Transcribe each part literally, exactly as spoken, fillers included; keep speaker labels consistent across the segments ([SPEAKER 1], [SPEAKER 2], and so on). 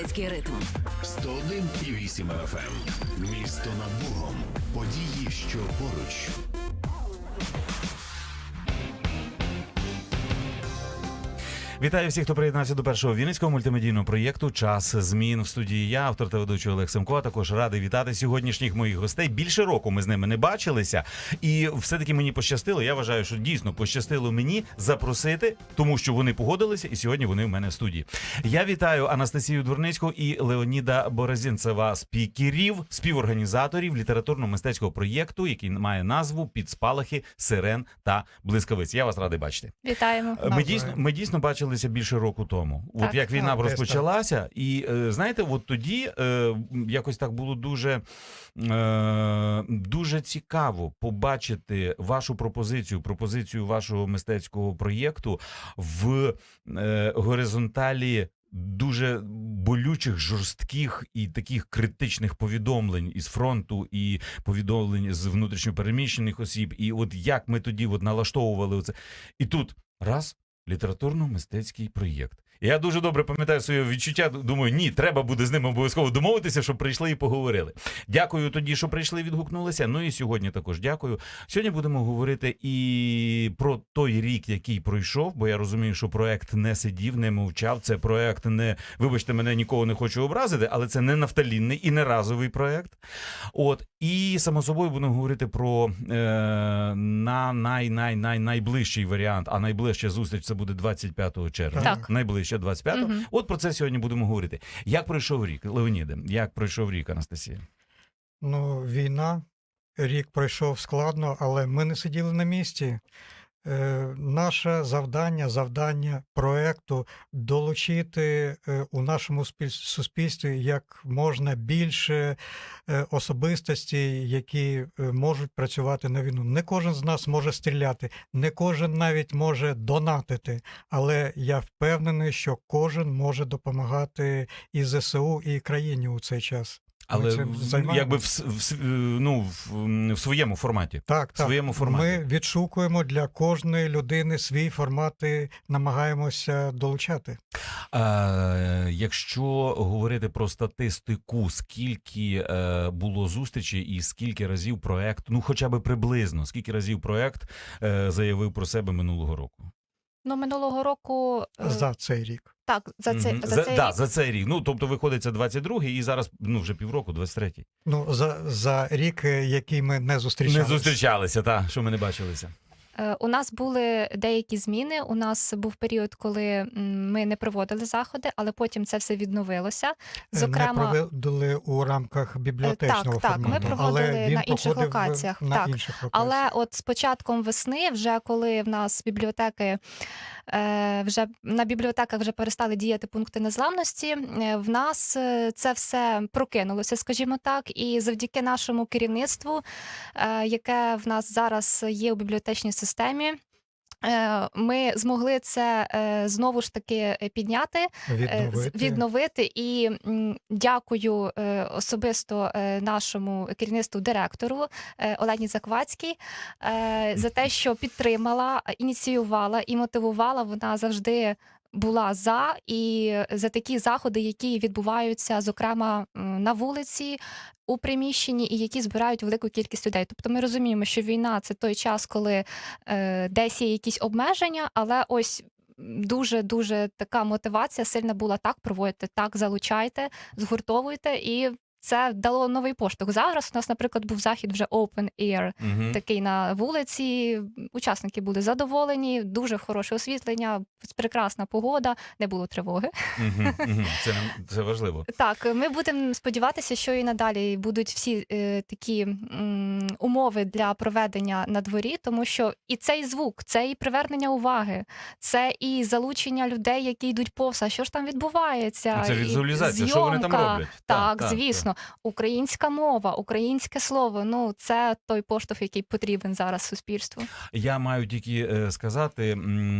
[SPEAKER 1] Галицький ритм.
[SPEAKER 2] сто один і вісім еф ем. Місто над Богом. Події, що поруч.
[SPEAKER 3] Вітаю всіх, хто приєднався до першого вінницького мультимедійного проєкту «Час змін». В студії я, автор та ведучий Олег Семко, а також радий вітати сьогоднішніх моїх гостей. Більше року ми з ними не бачилися, і все-таки мені пощастило, я вважаю, що дійсно пощастило мені запросити, тому що вони погодилися, і сьогодні вони в мене в студії. Я вітаю Анастасію Дворницьку і Леоніда Борозінцева, спікерів, співорганізаторів літературно-мистецького проєкту, який має назву «Під спалахи сирен та блискавиць». Я вас радий бачити.
[SPEAKER 4] Вітаємо.
[SPEAKER 3] Ми дійсно, ми дійсно бачили більше року тому.
[SPEAKER 4] Так,
[SPEAKER 3] от як війна
[SPEAKER 4] так,
[SPEAKER 3] розпочалася, і е, знаєте, от тоді е, якось так було дуже, е, дуже цікаво побачити вашу пропозицію, пропозицію вашого мистецького проєкту в е, горизонталі дуже болючих, жорстких і таких критичних повідомлень із фронту, і повідомлень з внутрішньопереміщених осіб. І от як ми тоді от налаштовували оце. І тут раз літературно-мистецький проєкт. Я дуже добре пам'ятаю своє відчуття, думаю, ні, треба буде з ними обов'язково домовитися, щоб прийшли і поговорили. Дякую тоді, що прийшли, відгукнулися, ну і сьогодні також дякую. Сьогодні будемо говорити і про той рік, який пройшов, бо я розумію, що проект не сидів, не мовчав, це проект не, вибачте мене, нікого не хочу образити, але це не нафталінний і не разовий проект. От, і само собою будемо говорити про е, на най-най-най-найближчий варіант, а найближча зустріч це буде двадцять п'ятого червня.
[SPEAKER 4] Так.
[SPEAKER 3] Найближче двадцять п'ятого. Угу. От про це сьогодні будемо говорити. Як пройшов рік, Леоніде? Як пройшов рік, Анастасія?
[SPEAKER 5] Ну, війна, рік пройшов складно, але ми не сиділи на місці. Е, наше завдання, завдання проекту долучити е, у нашому суспільстві як можна більше е, особистостей, які е, можуть працювати на війну. Не кожен з нас може стріляти, не кожен навіть може донатити, але я впевнений, що кожен може допомагати і зе се у, і країні у цей час.
[SPEAKER 3] Але якби в, в, ну, в, в своєму форматі.
[SPEAKER 5] Так,
[SPEAKER 3] в своєму
[SPEAKER 5] так.
[SPEAKER 3] форматі.
[SPEAKER 5] Ми відшукуємо для кожної людини свій формат і намагаємося долучати.
[SPEAKER 3] А, якщо говорити про статистику, скільки е, було зустрічей і скільки разів проект, ну хоча б приблизно, скільки разів проект е, заявив про себе минулого року?
[SPEAKER 4] Ну, минулого року...
[SPEAKER 5] За цей рік.
[SPEAKER 4] Так, за, це,
[SPEAKER 3] mm-hmm.
[SPEAKER 4] за,
[SPEAKER 3] за
[SPEAKER 4] цей
[SPEAKER 3] да,
[SPEAKER 4] рік.
[SPEAKER 3] за цей рік. Ну, тобто виходить, це двадцять другий і зараз, ну, вже півроку, двадцять третій.
[SPEAKER 5] Ну, за, за рік, який ми не зустрічалися.
[SPEAKER 3] Не зустрічалися, так, що ми не бачилися.
[SPEAKER 4] У нас були деякі зміни. У нас був період, коли ми не проводили заходи, але потім це все відновилося.
[SPEAKER 5] Зокрема, не проводили у рамках бібліотечного
[SPEAKER 4] так,
[SPEAKER 5] формату.
[SPEAKER 4] Так, ми проводили
[SPEAKER 5] але він
[SPEAKER 4] на інших локаціях.
[SPEAKER 5] На
[SPEAKER 4] так.
[SPEAKER 5] інших локаціях.
[SPEAKER 4] Але от з початком весни, вже коли в нас бібліотеки, вже на бібліотеках вже перестали діяти пункти незламності, в нас це все прокинулося, скажімо так, і завдяки нашому керівництву, яке в нас зараз є у бібліотечній системі, ми змогли це знову ж таки підняти,
[SPEAKER 5] відновити.
[SPEAKER 4] відновити. І дякую особисто нашому керівництву, директору Олені Заквацькій за те, що підтримала, ініціювала і мотивувала. Вона завжди була за, і за такі заходи, які відбуваються, зокрема, на вулиці, у приміщенні, і які збирають велику кількість людей. Тобто ми розуміємо, що війна – це той час, коли е, десь є якісь обмеження, але ось дуже-дуже така мотивація сильна була: так, проводьте, так, залучайте, згуртовуйте, і це дало новий поштовх. Зараз у нас, наприклад, був захід вже open air, угу. такий на вулиці. Учасники були задоволені, дуже хороше освітлення, прекрасна погода, не було тривоги.
[SPEAKER 3] Угу, угу. Це, це важливо.
[SPEAKER 4] Так, ми будемо сподіватися, що і надалі будуть всі е, такі м, умови для проведення на дворі, тому що і цей звук, це і привернення уваги, це і залучення людей, які йдуть повз, а що ж там відбувається.
[SPEAKER 3] Це візуалізація, що вони там роблять.
[SPEAKER 4] Так, так, звісно. Так. Українська мова, українське слово, ну це той поштовх, який потрібен зараз суспільству.
[SPEAKER 3] Я маю тільки сказати,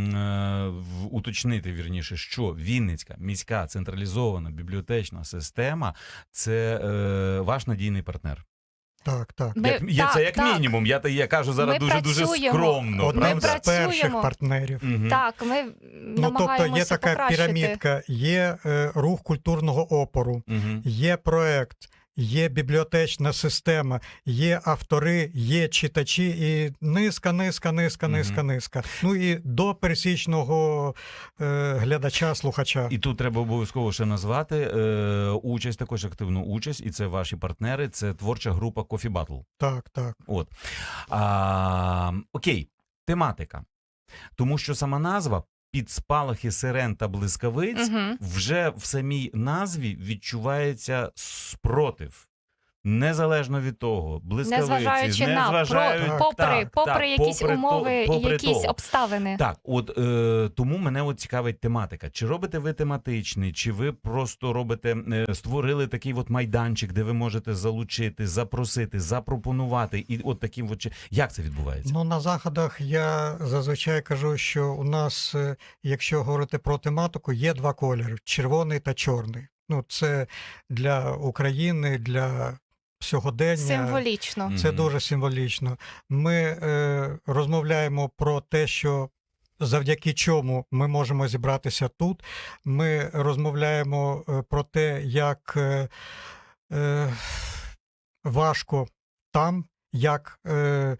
[SPEAKER 3] уточнити, вірніше, що Вінницька міська централізована бібліотечна система – це ваш надійний партнер.
[SPEAKER 5] Так, так.
[SPEAKER 4] Ми-
[SPEAKER 3] Як, я,
[SPEAKER 4] так,
[SPEAKER 3] це як
[SPEAKER 4] так.
[SPEAKER 3] мінімум. Я, я кажу зараз
[SPEAKER 4] Ми
[SPEAKER 3] дуже-дуже
[SPEAKER 4] працюємо.
[SPEAKER 3] скромно.
[SPEAKER 5] Одним
[SPEAKER 4] Ми
[SPEAKER 5] з
[SPEAKER 3] правда?
[SPEAKER 4] працюємо.
[SPEAKER 5] перших партнерів.
[SPEAKER 3] Мгм.
[SPEAKER 4] Так, ми
[SPEAKER 5] Ну, тобто
[SPEAKER 4] намагаємося
[SPEAKER 5] є така
[SPEAKER 4] покращити.
[SPEAKER 5] пірамідка, є е, рух культурного опору,
[SPEAKER 3] Мгм.
[SPEAKER 5] є проект, є бібліотечна система, є автори, є читачі і низка, низка, низка,
[SPEAKER 3] Мгм.
[SPEAKER 5] низка, низка. Ну і до пересічного е, глядача, слухача.
[SPEAKER 3] І тут треба обов'язково ще назвати е, участь, також активну участь, і це ваші партнери, це творча група Coffee Battle.
[SPEAKER 5] Так, так.
[SPEAKER 3] От. А, окей, тематика. Тому що сама назва «Під спалахи сирен та блискавиць»
[SPEAKER 4] Мгм.
[SPEAKER 3] вже в самій назві відчувається спротив. Незалежно від того, блискавиці,
[SPEAKER 4] Незважаючи на,
[SPEAKER 3] незважаючи-
[SPEAKER 4] про,
[SPEAKER 5] Так,
[SPEAKER 4] попри,
[SPEAKER 3] так,
[SPEAKER 4] попри
[SPEAKER 3] так,
[SPEAKER 4] якісь
[SPEAKER 3] попри то-
[SPEAKER 4] умови
[SPEAKER 3] попри
[SPEAKER 4] і якісь
[SPEAKER 3] того.
[SPEAKER 4] обставини.
[SPEAKER 3] Так, от е, тому мене от цікавить тематика. Чи робите ви тематичний, чи ви просто робите, е, створили такий от майданчик, де ви можете залучити, запросити, запропонувати, і от таким от чи- як це відбувається?
[SPEAKER 5] Ну, на заходах я зазвичай кажу, що у нас, е, якщо говорити про тематику, є два кольори – червоний та чорний. Ну, це для України, для сьогодення.
[SPEAKER 4] Символічно.
[SPEAKER 5] Це
[SPEAKER 3] Мгм.
[SPEAKER 5] дуже символічно. Ми е, розмовляємо про те, що завдяки чому ми можемо зібратися тут. Ми розмовляємо е, про те, як е, е, важко там, як е,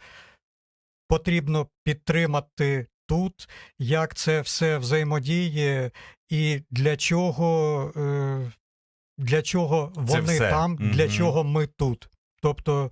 [SPEAKER 5] потрібно підтримати тут, як це все взаємодіє і для чого, е, для чого
[SPEAKER 3] Це
[SPEAKER 5] вони
[SPEAKER 3] все.
[SPEAKER 5] там, для
[SPEAKER 3] Мгм.
[SPEAKER 5] чого ми тут. Тобто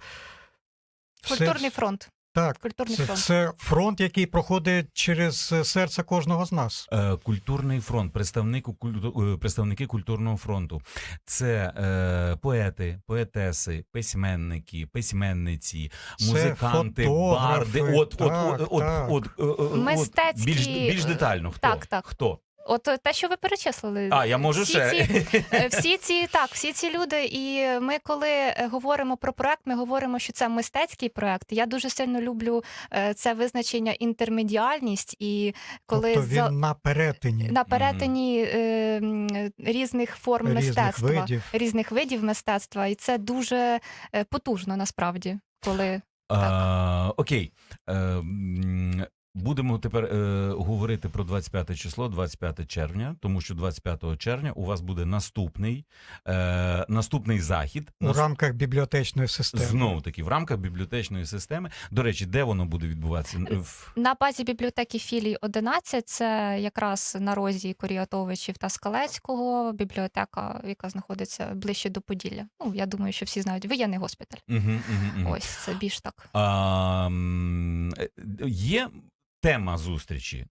[SPEAKER 5] все-
[SPEAKER 4] Культурний фронт.
[SPEAKER 5] так,
[SPEAKER 4] Культурний
[SPEAKER 5] це,
[SPEAKER 4] фронт.
[SPEAKER 5] це фронт, який проходить через серце кожного з нас.
[SPEAKER 3] Е, Культурний фронт, представнику, культу- е, представники культурного фронту. Це е, поети, поетеси, письменники, письменниці,
[SPEAKER 5] Це
[SPEAKER 3] музиканти,
[SPEAKER 5] фотографи.
[SPEAKER 3] барди. От, от,
[SPEAKER 5] Так,
[SPEAKER 3] от, от,
[SPEAKER 5] так.
[SPEAKER 3] от, е, е, от,
[SPEAKER 4] Мистецькі,
[SPEAKER 3] більш, більш детально. Хто?
[SPEAKER 4] так, так.
[SPEAKER 3] Хто?
[SPEAKER 4] От е, те, що ви перечислили.
[SPEAKER 3] А, я можу
[SPEAKER 4] всі
[SPEAKER 3] ще.
[SPEAKER 4] Ці, е, всі ці, так, всі ці люди, і ми, коли е, говоримо про проект, ми говоримо, що це мистецький проект. Я дуже сильно люблю е, це визначення інтермедіальність, і коли
[SPEAKER 5] тобто він
[SPEAKER 4] за-
[SPEAKER 5] на перетині
[SPEAKER 4] на перетині е, м, різних форм
[SPEAKER 5] різних
[SPEAKER 4] мистецтва,
[SPEAKER 5] видів.
[SPEAKER 4] різних видів мистецтва, і це дуже е, потужно насправді, коли
[SPEAKER 3] А, окей. Е, м, Будемо тепер е, говорити про двадцять п'яте число, двадцять п'яте червня, тому що двадцять п'ятого червня у вас буде наступний, е, наступний захід.
[SPEAKER 5] У рамках бібліотечної системи.
[SPEAKER 3] Знову таки, в рамках бібліотечної системи. До речі, де воно буде відбуватися? В-
[SPEAKER 4] на базі бібліотеки філій одинадцять, це якраз на розі Коріатовичів та Скалецького, бібліотека, яка знаходиться ближче до Поділля. Ну, я думаю, що всі знають, воєнний госпіталь.
[SPEAKER 3] Мгм, мгм, мгм.
[SPEAKER 4] Ось, це більш так.
[SPEAKER 3] А, м, е, є тема зустрічі?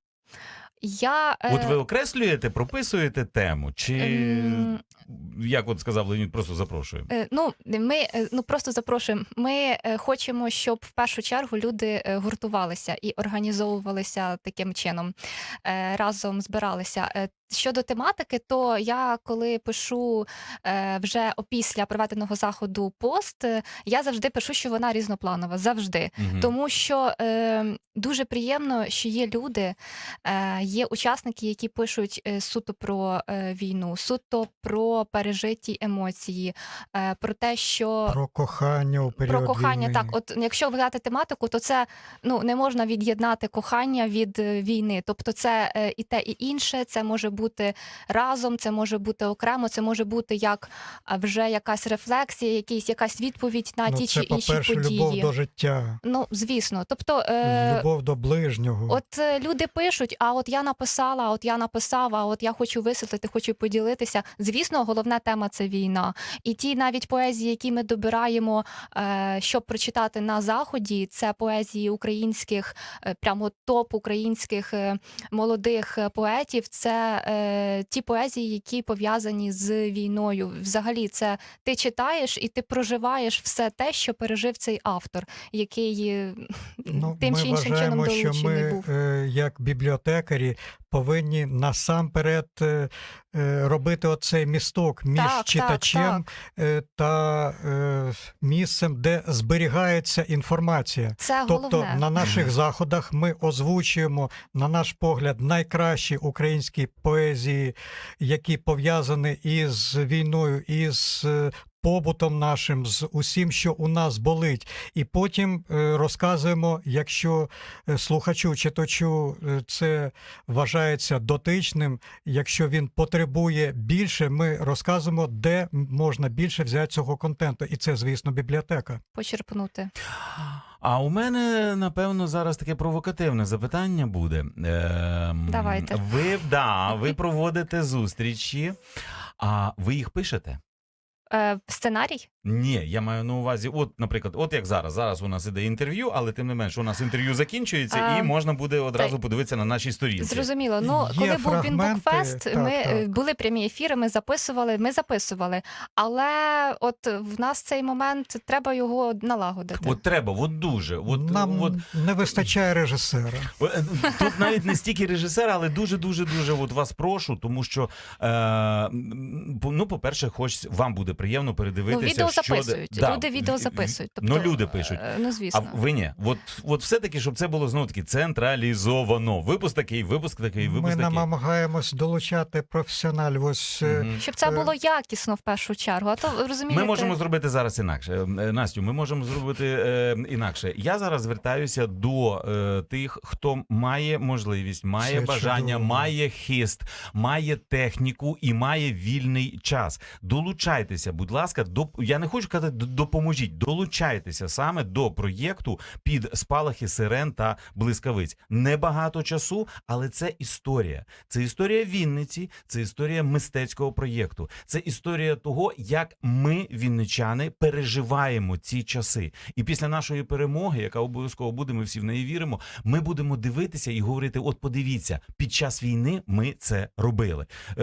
[SPEAKER 4] Я, е,
[SPEAKER 3] От ви окреслюєте, прописуєте тему? Чи,
[SPEAKER 4] ем,
[SPEAKER 3] як от сказав Леонід, просто запрошуємо?
[SPEAKER 4] Е, Ну, ми е, ну просто запрошуємо. Ми е, хочемо, щоб в першу чергу люди е, гуртувалися і організовувалися таким чином, е, разом збиралися. Е, Щодо тематики, то я коли пишу е, вже опісля проведеного заходу пост, е, я завжди пишу, що вона різнопланова, завжди.
[SPEAKER 3] Мгм.
[SPEAKER 4] Тому що е, дуже приємно, що є люди, е, є учасники, які пишуть е, суто про е, війну, суто про пережиті емоції, е, про те, що
[SPEAKER 5] Про кохання у період
[SPEAKER 4] про кохання.
[SPEAKER 5] війни.
[SPEAKER 4] Так, от якщо взяти тематику, то це ну не можна від'єднати кохання від е, війни. Тобто, це е, і те, і інше. Це може бути разом, це може бути окремо, це може бути як а, вже якась рефлексія, якийсь якась відповідь на
[SPEAKER 5] Ну,
[SPEAKER 4] ті
[SPEAKER 5] це,
[SPEAKER 4] чи інші
[SPEAKER 5] по-перше,
[SPEAKER 4] події.
[SPEAKER 5] любов до життя,
[SPEAKER 4] Ну звісно, тобто. Е...
[SPEAKER 5] любов до ближнього.
[SPEAKER 4] От е, люди пишуть, а от я написала, а от я написав, а от я хочу висвітлити, хочу поділитися. Звісно, головна тема – це війна. І ті навіть поезії, які ми добираємо, е, щоб прочитати на Заході, це поезії українських, е, прямо топ українських е, молодих е, поетів. Це е, ті поезії, які пов'язані з війною. Взагалі, це ти читаєш і ти проживаєш все те, що пережив цей автор, який е,
[SPEAKER 5] Ну,
[SPEAKER 4] тим
[SPEAKER 5] ми
[SPEAKER 4] чи іншим чином
[SPEAKER 5] вважаємо, що
[SPEAKER 4] долучений
[SPEAKER 5] ми,
[SPEAKER 4] був.
[SPEAKER 5] е, як бібліотекарі, повинні насамперед е, е, робити оцей місток між
[SPEAKER 4] Так, так,
[SPEAKER 5] читачем е, та е, місцем, де зберігається інформація.
[SPEAKER 4] Це
[SPEAKER 5] Тобто
[SPEAKER 4] головне.
[SPEAKER 5] на наших заходах ми озвучуємо, на наш погляд, найкращі українські поезії, які пов'язані із війною, із е, побутом нашим, з усім, що у нас болить. І потім е, розказуємо, якщо е, слухачу, читачу е, це вважається дотичним, якщо він потребує більше, ми розказуємо, де можна більше взяти цього контенту. І це, звісно, бібліотека.
[SPEAKER 4] Почерпнути.
[SPEAKER 3] А у мене, напевно, зараз таке провокативне запитання буде. Ем,
[SPEAKER 4] Давайте.
[SPEAKER 3] Ви, да, ви проводите зустрічі, а ви їх пишете?
[SPEAKER 4] Е, сценарій?
[SPEAKER 3] Ні, я маю на увазі, от, наприклад, от як зараз. Зараз у нас іде інтерв'ю, але тим не менш, у нас інтерв'ю закінчується,
[SPEAKER 4] А,
[SPEAKER 3] і можна буде одразу
[SPEAKER 4] так.
[SPEAKER 3] подивитися на нашій сторінці.
[SPEAKER 4] Зрозуміло. Ну,
[SPEAKER 5] Є
[SPEAKER 4] коли був
[SPEAKER 5] фрагменти,
[SPEAKER 4] Вінбукфест,
[SPEAKER 5] так,
[SPEAKER 4] ми
[SPEAKER 5] так.
[SPEAKER 4] е, були прямі ефіри, ми записували, ми записували. Але от в нас цей момент, треба його налагодити.
[SPEAKER 3] От треба, от дуже. От,
[SPEAKER 5] Нам
[SPEAKER 3] от,
[SPEAKER 5] не вистачає режисера.
[SPEAKER 3] Е, Тут навіть не стільки режисера, але дуже-дуже-дуже от вас прошу, тому що, е, м, по- ну, по-перше, хоч вам буде приємно
[SPEAKER 4] Ну,
[SPEAKER 3] передивитися,
[SPEAKER 4] відео
[SPEAKER 3] що...
[SPEAKER 4] записують.
[SPEAKER 3] Да,
[SPEAKER 4] Люди відео записують.
[SPEAKER 3] Ну, люди пишуть.
[SPEAKER 4] е, Ну, звісно.
[SPEAKER 3] А ви ні. От, от все-таки, щоб це було, знову-таки, централізовано. Випуск такий, випуск такий,
[SPEAKER 5] Ми
[SPEAKER 3] випуск такий.
[SPEAKER 5] намагаємось долучати професіоналів. Ось е,
[SPEAKER 3] Мгм.
[SPEAKER 4] Щоб це було якісно в першу чергу. А то, ви розумієте...
[SPEAKER 3] Ми можемо зробити зараз інакше. Е, Настю, ми можемо зробити е, інакше. Я зараз звертаюся до е, тих, хто має можливість, має
[SPEAKER 5] Це
[SPEAKER 3] бажання,
[SPEAKER 5] чудово.
[SPEAKER 3] має хист, має техніку і має вільний час. Долучайтеся, будь ласка, до я не хочу казати д- допоможіть. Долучайтеся саме до проєкту під спалахи сирен та блискавиць. Небагато часу, але це історія. Це історія Вінниці, це історія мистецького проєкту. Це історія того, як ми, вінничани, переживаємо ці часи. І після нашої перемоги, яка обов'язково буде, ми всі в неї віримо, ми будемо дивитися і говорити: от подивіться, під час війни ми це робили. Е,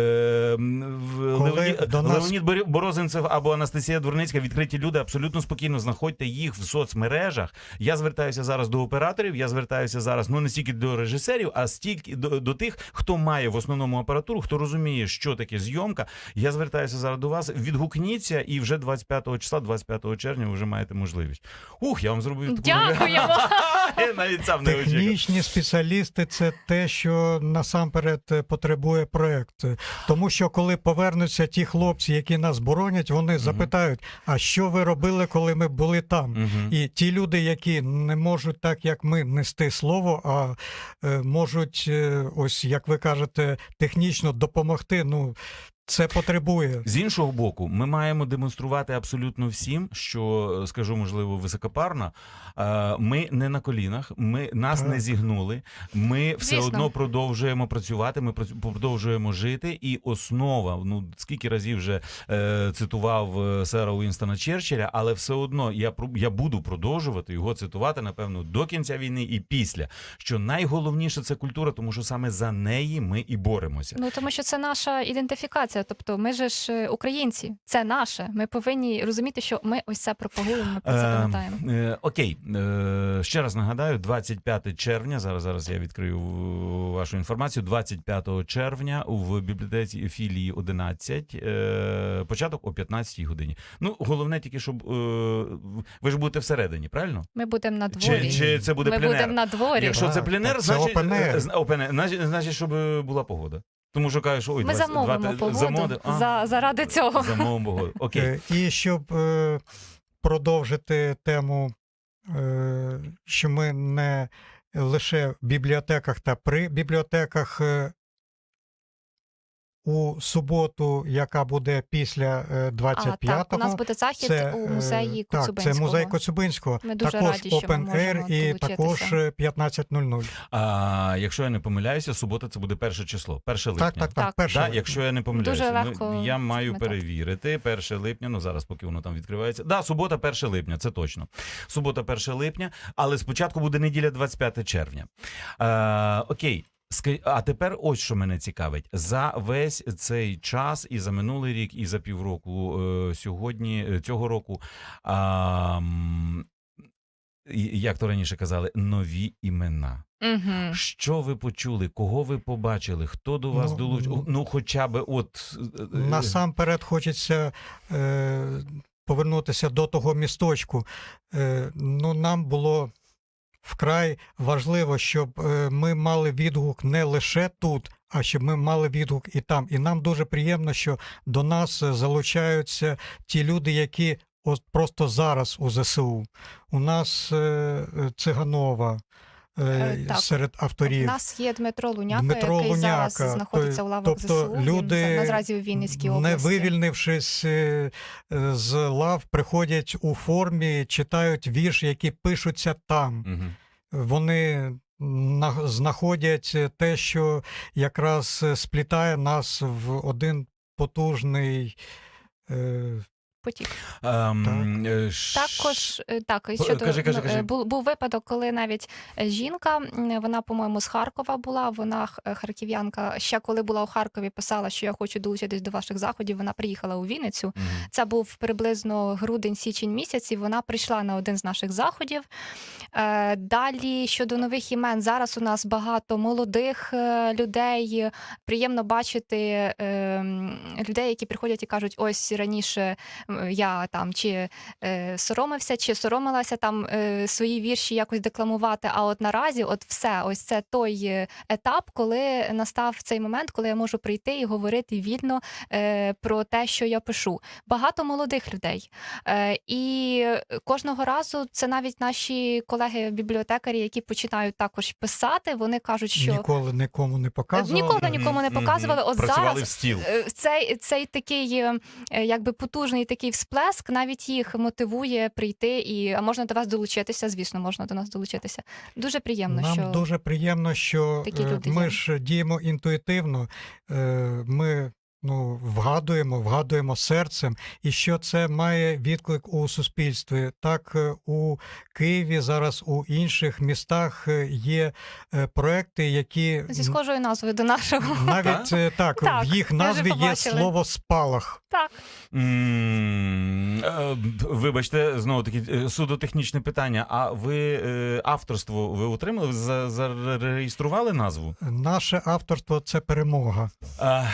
[SPEAKER 3] м, в-
[SPEAKER 5] Коли
[SPEAKER 3] Леонід,
[SPEAKER 5] до нас-
[SPEAKER 3] Леонід Бор- Борозенцев або Анастасія Дворницька, відкриті люди, абсолютно спокійно знаходьте їх в соцмережах. Я звертаюся зараз до операторів, я звертаюся зараз, ну, не стільки до режисерів, а стільки до, до тих, хто має в основному апаратуру, хто розуміє, що таке зйомка. Я звертаюся зараз до вас. Відгукніться, і вже двадцять п'ятого числа, двадцять п'ятого червня, ви вже маєте можливість. Ух, я вам зробив таку...
[SPEAKER 4] Дякуємо!
[SPEAKER 3] Я навіть сам не очікував.
[SPEAKER 5] Технічні спеціалісти – це те, що насамперед е, потребує проект. Тому що коли повернуться ті хлопці, які нас боронять, вони запитають, а що ви робили, коли ми були там?
[SPEAKER 3] Мгм.
[SPEAKER 5] І ті люди, які не можуть так, як ми, нести слово, а е, можуть, е, ось як ви кажете, технічно допомогти, ну, це потребує.
[SPEAKER 3] З іншого боку, ми маємо демонструвати абсолютно всім, що, скажу, можливо, високопарно, е, ми не на колінах, ми, нас
[SPEAKER 5] Так.
[SPEAKER 3] не зігнули, ми все
[SPEAKER 4] Звісно.
[SPEAKER 3] одно продовжуємо працювати, ми прац- продовжуємо жити, і основа, ну, скільки разів вже е, цитував е, сера Уінстона Черчилля, але все одно я, про- я буду продовжувати його цитувати, напевно, до кінця війни і після, що найголовніше – це культура, тому що саме за неї ми і боремося.
[SPEAKER 4] Ну, тому що це наша ідентифікація. Тобто ми же ж е, українці, це наше. Ми повинні розуміти, що ми ось це пропагуємо, ми про це
[SPEAKER 3] Е,
[SPEAKER 4] пам'ятаємо.
[SPEAKER 3] е, Окей, е, ще раз нагадаю, двадцять п'ятого червня, зараз, зараз я відкрию вашу інформацію, двадцять п'ятого червня в бібліотеці філії одинадцять, е, початок о п'ятнадцятій годині. Ну, головне тільки, щоб, е, ви ж будете всередині, правильно?
[SPEAKER 4] Ми будемо на дворі.
[SPEAKER 3] Чи, чи це буде
[SPEAKER 4] Ми
[SPEAKER 3] пленер?
[SPEAKER 4] будемо на дворі.
[SPEAKER 3] Якщо це
[SPEAKER 5] Так,
[SPEAKER 3] пленер,
[SPEAKER 5] так, це
[SPEAKER 3] значить,
[SPEAKER 5] open air.
[SPEAKER 3] е, з- open air, значить, значить, щоб е, була погода. Тому що кажеш, ой,
[SPEAKER 4] Ми
[SPEAKER 3] двадцять
[SPEAKER 4] замовимо
[SPEAKER 3] двадцять
[SPEAKER 4] погоду
[SPEAKER 3] замовити? А,
[SPEAKER 4] за, заради цього.
[SPEAKER 3] замовимо погоду. Окей.
[SPEAKER 5] Е, І щоб е, продовжити тему, е, що ми не лише в бібліотеках та при бібліотеках, е, у суботу, яка буде після е,
[SPEAKER 4] А,
[SPEAKER 5] двадцять
[SPEAKER 4] так, у
[SPEAKER 5] п'ятого,
[SPEAKER 4] нас буде захід
[SPEAKER 5] це,
[SPEAKER 4] у
[SPEAKER 5] е,
[SPEAKER 4] музеї
[SPEAKER 5] так, це
[SPEAKER 4] Коцюбинського.
[SPEAKER 5] музей Коцюбинського.
[SPEAKER 4] Ми дуже
[SPEAKER 5] також
[SPEAKER 4] раді, що ми
[SPEAKER 5] Open
[SPEAKER 4] можемо
[SPEAKER 5] Air і
[SPEAKER 4] долучитися.
[SPEAKER 5] також е, п'ятнадцять нуль нуль.
[SPEAKER 3] А якщо я не помиляюся, субота це буде перше число, перше липня.
[SPEAKER 5] Так, так, так,
[SPEAKER 4] Так.
[SPEAKER 5] перше.
[SPEAKER 3] Да, якщо я не помиляюся,
[SPEAKER 4] Дуже
[SPEAKER 3] Ну,
[SPEAKER 4] легко
[SPEAKER 3] я маю
[SPEAKER 4] запам'ятати.
[SPEAKER 3] перевірити. перше липня, ну зараз поки воно там відкривається. Да, субота, перше липня, це точно. Субота, перше липня, але спочатку буде неділя, двадцять п'ятого червня. А, окей. Ска- А тепер ось що мене цікавить. За весь цей час, і за минулий рік, і за півроку е, сьогодні, е, цього року, а, м, і- як то раніше казали, нові імена.
[SPEAKER 4] Угу.
[SPEAKER 3] Що ви почули? Кого ви побачили? Хто до вас
[SPEAKER 5] Ну,
[SPEAKER 3] долучив?
[SPEAKER 5] ну,
[SPEAKER 3] Ну, хоча б от... е, е,
[SPEAKER 5] Насамперед хочеться е, повернутися до того місточку. Е, ну, нам було вкрай важливо, щоб е, ми мали відгук не лише тут, а щоб ми мали відгук і там. І нам дуже приємно, що до нас залучаються ті люди, які от просто зараз у ЗСУ. У нас е, Циганова е,
[SPEAKER 4] так.
[SPEAKER 5] серед
[SPEAKER 4] У
[SPEAKER 5] авторів.
[SPEAKER 4] нас є Дмитро Луняка,
[SPEAKER 5] Дмитро
[SPEAKER 4] який
[SPEAKER 5] Луняка,
[SPEAKER 4] зараз знаходиться
[SPEAKER 5] то-
[SPEAKER 4] у лавах
[SPEAKER 5] тобто
[SPEAKER 4] ЗСУ. Він
[SPEAKER 5] люди,
[SPEAKER 4] наразі у Вінницькій
[SPEAKER 5] не
[SPEAKER 4] області.
[SPEAKER 5] вивільнившись е, е, з лав, приходять у формі, читають вірші, які пишуться там.
[SPEAKER 3] Мгм.
[SPEAKER 5] Вони на- знаходять те, що якраз сплітає нас в один потужний. е,
[SPEAKER 4] Потік.
[SPEAKER 3] Ем, е, ш-
[SPEAKER 4] Також е, так, і
[SPEAKER 3] П-
[SPEAKER 4] щодо
[SPEAKER 3] кажи, кажи,
[SPEAKER 4] ну,
[SPEAKER 3] кажи.
[SPEAKER 4] е, був, був випадок, коли навіть е, жінка, м, вона, по-моєму, з Харкова була. Вона х- е, харків'янка. Ще коли була у Харкові, писала, що я хочу долучитись до ваших заходів. Вона приїхала у Вінницю.
[SPEAKER 3] Мгм.
[SPEAKER 4] Це був приблизно грудень-січень місяць, і вона прийшла на один з наших заходів. Е, Далі щодо нових імен, зараз у нас багато молодих е, людей. Приємно бачити е, м, людей, які приходять і кажуть, ось раніше м, я там чи е, соромився, чи соромилася там е, свої вірші якось декламувати. А от наразі, от все, ось це той е, етап, коли настав цей момент, коли я можу прийти і говорити вільно е, про те, що я пишу. Багато молодих людей. Е, і кожного разу це навіть наші колеги-бібліотекарі, які починають також писати, вони кажуть, що
[SPEAKER 5] Ніколи нікому не показували.
[SPEAKER 4] ніколи нікому не
[SPEAKER 3] Мгм.
[SPEAKER 4] показували. От
[SPEAKER 3] Працювали
[SPEAKER 4] зараз
[SPEAKER 3] в стіл.
[SPEAKER 4] Е, Цей, цей такий е, е, якби потужний такий всплеск навіть їх мотивує прийти і а можна до вас долучитися. Звісно, можна до нас долучитися. Дуже приємно,
[SPEAKER 5] Нам
[SPEAKER 4] що
[SPEAKER 5] дуже приємно, що
[SPEAKER 4] такі
[SPEAKER 5] е,
[SPEAKER 4] люди
[SPEAKER 5] ми
[SPEAKER 4] є.
[SPEAKER 5] ж діємо інтуїтивно. е, Ми ну, вгадуємо, вгадуємо серцем, і що це має відклик у суспільстві. Так, е, у Києві, зараз у інших містах е, є е, проекти, які
[SPEAKER 4] зі схожою назвою до нашого.
[SPEAKER 5] навіть е, так,
[SPEAKER 4] Так,
[SPEAKER 5] в їх
[SPEAKER 4] ми вже
[SPEAKER 5] назві є
[SPEAKER 4] побачили.
[SPEAKER 5] слово спалах.
[SPEAKER 4] Так.
[SPEAKER 3] М, е, Вибачте, знову таки е, судотехнічне питання. А ви е, авторство ви отримали? Ви за- зареєстрували назву?
[SPEAKER 5] Наше авторство це перемога.
[SPEAKER 3] А,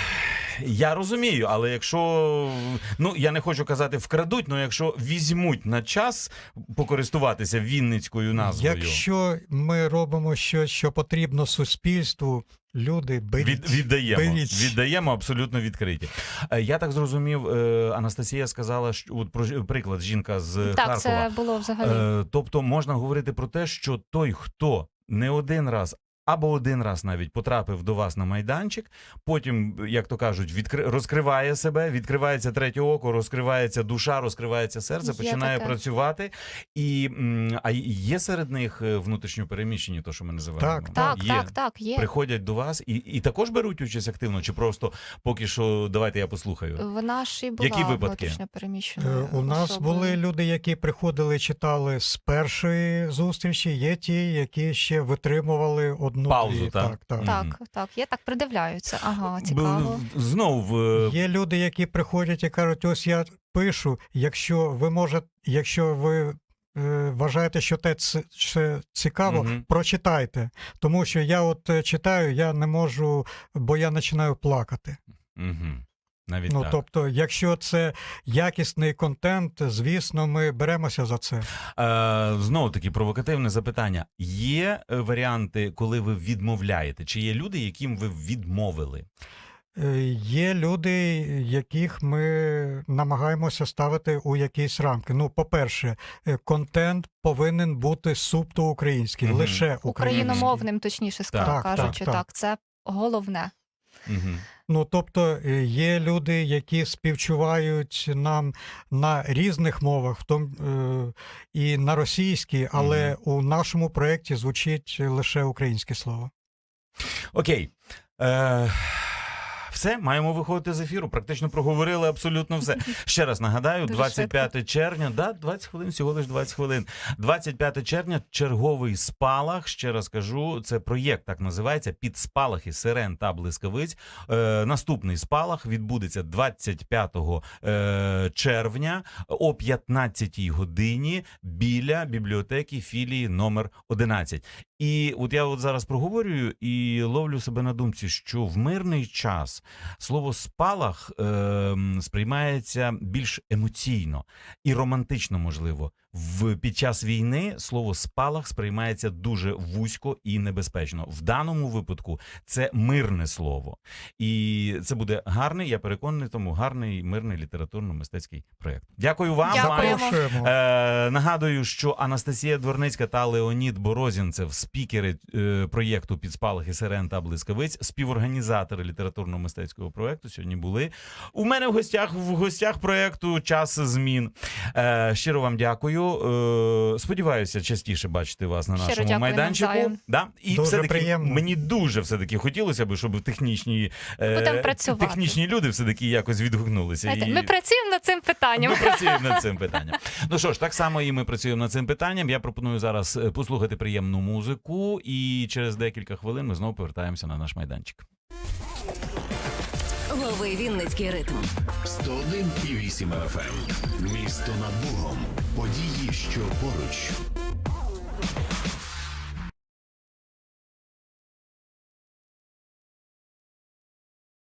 [SPEAKER 3] я розумію, але якщо, ну я не хочу казати вкрадуть, але якщо візьмуть на час покористуватися вінницькою назвою,
[SPEAKER 5] Якщо ми робимо щось, що потрібно суспільству, люди, беріть.
[SPEAKER 3] від, віддаємо,
[SPEAKER 5] беріть.
[SPEAKER 3] віддаємо абсолютно відкриті. Е, Я так зрозумів, е, Анастасія сказала, що от про ж- приклад жінка з
[SPEAKER 4] Так,
[SPEAKER 3] Харкова.
[SPEAKER 4] це було взагалі.
[SPEAKER 3] Е, тобто можна говорити про те, що той, хто не один раз або один раз навіть потрапив до вас на майданчик, потім, як то кажуть, відкри... розкриває себе, відкривається третє око, розкривається душа, розкривається серце,
[SPEAKER 4] Є
[SPEAKER 3] починає
[SPEAKER 4] таке.
[SPEAKER 3] працювати. І, м, а є серед них е, внутрішньо переміщені, то, що ми називаємо?
[SPEAKER 5] Так,
[SPEAKER 4] Так,
[SPEAKER 3] є.
[SPEAKER 4] так, так, є.
[SPEAKER 3] Приходять до вас і, і також беруть участь активно, чи просто поки що давайте я послухаю?
[SPEAKER 4] Вона ж і була
[SPEAKER 3] Які випадки?
[SPEAKER 4] внутрішньо
[SPEAKER 5] Е,
[SPEAKER 4] переміщеною
[SPEAKER 5] У нас
[SPEAKER 4] особою.
[SPEAKER 5] були люди, які приходили, читали з першої зустрічі, є ті, які ще витримували одну
[SPEAKER 3] Паузу,
[SPEAKER 5] дві.
[SPEAKER 3] так?
[SPEAKER 5] Так, так.
[SPEAKER 4] Так,
[SPEAKER 3] Мгм.
[SPEAKER 4] так, є так, придивляються. Ага, цікаво.
[SPEAKER 3] Б- Знов е,
[SPEAKER 5] Є люди, які приходять і кажуть, ось я пишу, якщо ви можете, якщо ви е, вважаєте, що те ц- це цікаво,
[SPEAKER 3] Мгм.
[SPEAKER 5] прочитайте. Тому що я от е, читаю, я не можу, бо я починаю плакати.
[SPEAKER 3] Мгм. Навіть
[SPEAKER 5] Ну,
[SPEAKER 3] так.
[SPEAKER 5] тобто, якщо це якісний контент, звісно, ми беремося за це.
[SPEAKER 3] Е, знову таки провокативне запитання. Є е, варіанти, коли ви відмовляєте? Чи є люди, яким ви відмовили?
[SPEAKER 5] Е, Є люди, яких ми намагаємося ставити у якісь рамки. Ну, по-перше, е, контент повинен бути субто український,
[SPEAKER 3] Мгм.
[SPEAKER 5] лише український.
[SPEAKER 4] Україномовним, точніше ска-
[SPEAKER 5] Так,
[SPEAKER 4] кажучи,
[SPEAKER 5] так,
[SPEAKER 4] так,
[SPEAKER 5] так.
[SPEAKER 4] це головне.
[SPEAKER 3] Угу.
[SPEAKER 5] Ну, тобто, е, є люди, які співчувають нам на різних мовах, в тому е, і на російській, але у нашому проєкті звучить лише українське слово.
[SPEAKER 3] Окей. Е, все, маємо виходити з ефіру. Практично проговорили абсолютно все. Ще раз нагадаю,
[SPEAKER 4] Дуже
[SPEAKER 3] двадцять п'яте червня, да, двадцять хвилин, всього лиш двадцять хвилин. двадцять п'яте червня, черговий спалах. Ще раз кажу, це проєкт так називається «Під спалахи сирен та блискавиць». Е, наступний спалах відбудеться двадцять п'ятого е, червня о п'ятнадцятій годині біля бібліотеки філії номер одинадцять. І от я от зараз проговорюю і ловлю себе на думці, що в мирний час слово спалах е, сприймається більш емоційно і романтично, можливо. В під час війни слово спалах сприймається дуже вузько і небезпечно. В даному випадку це мирне слово. І це буде гарний, я переконаний, тому гарний мирний літературно-мистецький проєкт. Дякую вам.
[SPEAKER 4] Дякуємо.
[SPEAKER 3] Маю.
[SPEAKER 5] Запрошуємо.
[SPEAKER 3] Е, нагадую, що Анастасія Дворницька та Леонід Борозінцев, спікери е, проєкту «Під спалахи сирен та блискавиць», співорганізатори літературно-мистецького проєкту, сьогодні були у мене в гостях, в гостях проєкту «Час змін». Е, щиро вам дякую. Е, сподіваюся, частіше бачити вас на
[SPEAKER 4] Щиро
[SPEAKER 3] нашому
[SPEAKER 4] дякую
[SPEAKER 3] майданчику.
[SPEAKER 4] навзаєм.
[SPEAKER 3] Да? І
[SPEAKER 5] Дуже
[SPEAKER 3] все-таки
[SPEAKER 5] приємно.
[SPEAKER 3] мені дуже все-таки хотілося б, щоб технічні, е,
[SPEAKER 4] Будемо працювати.
[SPEAKER 3] технічні люди все-таки якось відгукнулися.
[SPEAKER 4] Знаєте,
[SPEAKER 3] І-
[SPEAKER 4] ми працюємо над цим питанням.
[SPEAKER 3] ми працюємо над цим питанням. Ну що ж, так само і ми працюємо над цим питанням. Я пропоную зараз е, послухати приємну музику, і через декілька хвилин ми знову повертаємося на наш майданчик.
[SPEAKER 1] Лови Вінницький ритм.
[SPEAKER 2] сто один і вісім еф ем. Місто над Богом. Події, що поруч.